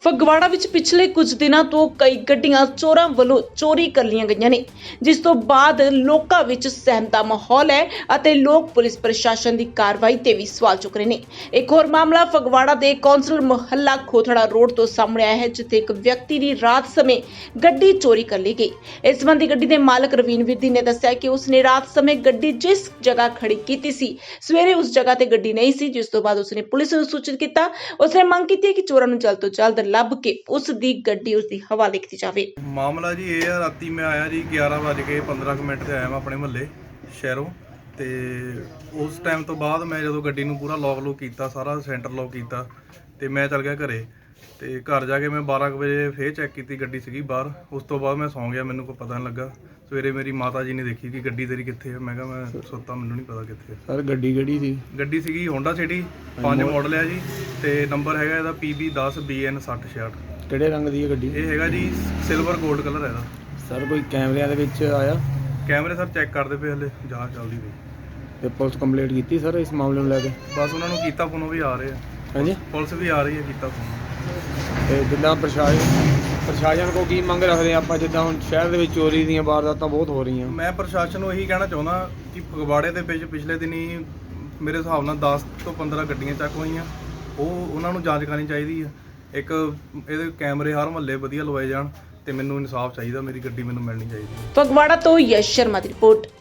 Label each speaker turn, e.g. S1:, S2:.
S1: ਫਗਵਾੜਾ ਵਿੱਚ ਪਿਛਲੇ ਕੁਝ ਦਿਨਾਂ ਤੋਂ ਕਈ ਗੱਡੀਆਂ ਚੋਰਾਂ ਵੱਲੋਂ ਚੋਰੀ ਕਰ ਲਈਆਂ ਗਈਆਂ ਨੇ, ਜਿਸ ਤੋਂ ਬਾਅਦ ਲੋਕਾਂ ਵਿੱਚ ਸਹਿਮ ਦਾ ਮਾਹੌਲ ਹੈ ਅਤੇ ਲੋਕ ਪੁਲਿਸ ਪ੍ਰਸ਼ਾਸਨ ਦੀ ਕਾਰਵਾਈ ਤੇ ਵੀ ਸਵਾਲ ਚੁੱਕ ਰਹੇ ਨੇ। ਇੱਕ ਹੋਰ ਮਾਮਲਾ ਫਗਵਾੜਾ ਦੇ ਕੌਂਸਲ ਮੁਹੱਲਾ ਖੋਥੜਾ ਰੋਡ ਤੋਂ ਸਾਹਮਣੇ ਆਇਆ ਹੈ, ਜਿੱਥੇ ਇੱਕ ਵਿਅਕਤੀ ਦੀ ਰਾਤ ਸਮੇਂ ਗੱਡੀ ਚੋਰੀ ਕਰ ਲਈ ਗਈ। ਇਸ ਸੰਬੰਧੀ ਗੱਡੀ ਦੇ ਮਾਲਕ ਰਵੀਨ ਵਿਰਦੀ ਨੇ ਦੱਸਿਆ ਕਿ ਉਸਨੇ ਰਾਤ ਸਮੇਂ ਗੱਡੀ ਜਿਸ ਜਗ੍ਹਾ ਖੜੀ ਕੀਤੀ ਸੀ, ਸਵੇਰੇ ਉਸ ਜਗ੍ਹਾ ਤੇ ਗੱਡੀ ਨਹੀਂ ਸੀ, ਜਿਸ ਤੋਂ ਬਾਅਦ ਉਸਨੇ ਪੁਲਿਸ ਨੂੰ ਸੂਚਿਤ ਕੀਤਾ। ਉਸਨੇ ਮੰਗ ਕੀਤੀ ਹੈ ਕਿ ਚੋਰਾਂ ਨੂੰ ਜਲਦ ਤੋਂ ਜਲਦ ਲੱਭ ਕੇ ਉਸ ਦੀ ਗੱਡੀ ਉਸ ਦੀ ਹਵਾਲੇ ਕੀਤੀ ਜਾਵੇ।
S2: ਮਾਮਲਾ ਜੀ ਇਹ ਆ, ਰਾਤੀ ਮੈਂ ਆਇਆ ਜੀ 11:15 ਤੇ ਆਇਆ ਮੈਂ ਆਪਣੇ ਮੁਹੱਲੇ ਸ਼ਹਿਰੋਂ ਤੇ ਉਸ ਟਾਈਮ ਤੋਂ ਬਾਅਦ ਮੈਂ ਜਦੋਂ ਗੱਡੀ ਨੂੰ ਪੂਰਾ ਲੌਕ ਕੀਤਾ, ਸਾਰਾ ਸੈਂਟਰ ਲੌਕ ਕੀਤਾ ਤੇ ਮੈਂ ਚੱਲ ਗਿਆ ਘਰੇ। ਤੇ ਘਰ ਜਾ ਕੇ ਮੈਂ 12 ਵਜੇ ਫੇਰ ਚੈੱਕ ਕੀਤੀ, ਗੱਡੀ ਸੀਗੀ ਬਾਹਰ। ਉਸ ਤੋਂ ਬਾਅਦ ਮੈਂ ਸੌਂ ਗਿਆ, ਮੈਨੂੰ ਕੋਈ ਪਤਾ ਨਹੀਂ ਲੱਗਾ। ਸਵੇਰੇ ਮੇਰੀ ਮਾਤਾ ਜੀ ਨੇ ਦੇਖੀ ਕਿ ਗੱਡੀ ਤੇਰੀ ਕਿੱਥੇ ਹੈ। ਮੈਂ ਕਿਹਾ ਮੈਂ ਸੁੱਤਾ, ਮੈਨੂੰ ਨਹੀਂ ਪਤਾ ਕਿੱਥੇ ਹੈ।
S3: ਸਰ ਗੱਡੀ ਕਿਹੜੀ ਸੀ?
S2: ਗੱਡੀ ਸੀਗੀ ਹੋਂਡਾ ਸਿਟੀ 5 ਮਾਡਲ ਹੈ ਜੀ, ਤੇ ਨੰਬਰ ਹੈਗਾ ਇਹਦਾ PB10BN 6066।
S3: ਕਿਹੜੇ ਰੰਗ ਦੀ ਹੈ ਗੱਡੀ?
S2: ਇਹ ਹੈਗਾ ਜੀ ਸਿਲਵਰ 골ਡ ਕਲਰ ਹੈ ਇਹਦਾ।
S3: ਸਰ ਕੋਈ ਕੈਮਰਿਆਂ ਦੇ ਵਿੱਚ ਆਇਆ?
S2: ਕੈਮਰੇ ਸਰ ਚੈੱਕ ਕਰਦੇ ਪਏ, ਹਲੇ ਜਾਂਚ ਚੱਲਦੀ ਪਈ।
S3: ਤੇ ਪੁਲਿਸ ਕੰਪਲੇਂਟ ਕੀਤੀ ਸਰ ਇਸ ਮਾਮਲੇ ਨੂੰ ਲੈ ਕੇ?
S2: ਬਸ ਉਹਨਾਂ ਨੂੰ ਕੀਤਾ ਫੋਨ, ਉਹ ਵੀ ਆ ਰਹੇ ਆ।
S3: ਹਾਂਜੀ,
S2: ਪੁਲਿਸ ਵੀ ਆ ਰਹੀ ਹੈ, ਕੀਤਾ ਫੋਨ।
S3: ਤੇ ਜਿੱਦਾਂ ਪ੍ਰਸ਼ਾਸਨ ਕੋ ਕੀ ਮੰਗ ਰੱਖਦੇ ਆਪਾਂ, ਜਿੱਦਾਂ ਹੁਣ ਸ਼ਹਿਰ ਦੇ ਵਿੱਚ ਚੋਰੀ ਦੀਆਂ ਵਾਰਦਾਤਾਂ ਬਹੁਤ ਹੋ ਰਹੀਆਂ?
S2: ਮੈਂ ਪ੍ਰਸ਼ਾਸਨ ਨੂੰ ਇਹੀ ਕਹਿਣਾ ਚਾਹੁੰਦਾ ਕਿ ਫਗਵਾੜੇ ਦੇ ਵਿੱਚ ਪਿਛਲੇ ਦਿਨੀ ਮੇਰੇ ਹਿਸਾਬ ਨਾਲ 10 ਤੋਂ 15 ਗੱਡੀਆਂ ਚੱਕ ਹੋਈਆਂ। ਉਹਨਾਂ ਨੂੰ ਜਾਂਚ ਕਰਨੀ ਚਾਹੀਦੀ ਹੈ। ਇੱਕ ਇਹਦੇ ਕੈਮਰੇ ਹਰ ਮਹੱਲੇ ਵਧੀਆ ਲਵਾਏ ਜਾਣ ਤੇ ਮੈਨੂੰ ਇਨਸਾਫ ਚਾਹੀਦਾ, ਮੇਰੀ ਗੱਡੀ ਮੈਨੂੰ ਮਿਲਣੀ ਚਾਹੀਦੀ ਹੈ।
S1: ਫਗਵਾੜਾ ਤੋਂ ਯਸ਼ ਸ਼ਰਮਾ ਦੀ ਰਿਪੋਰਟ।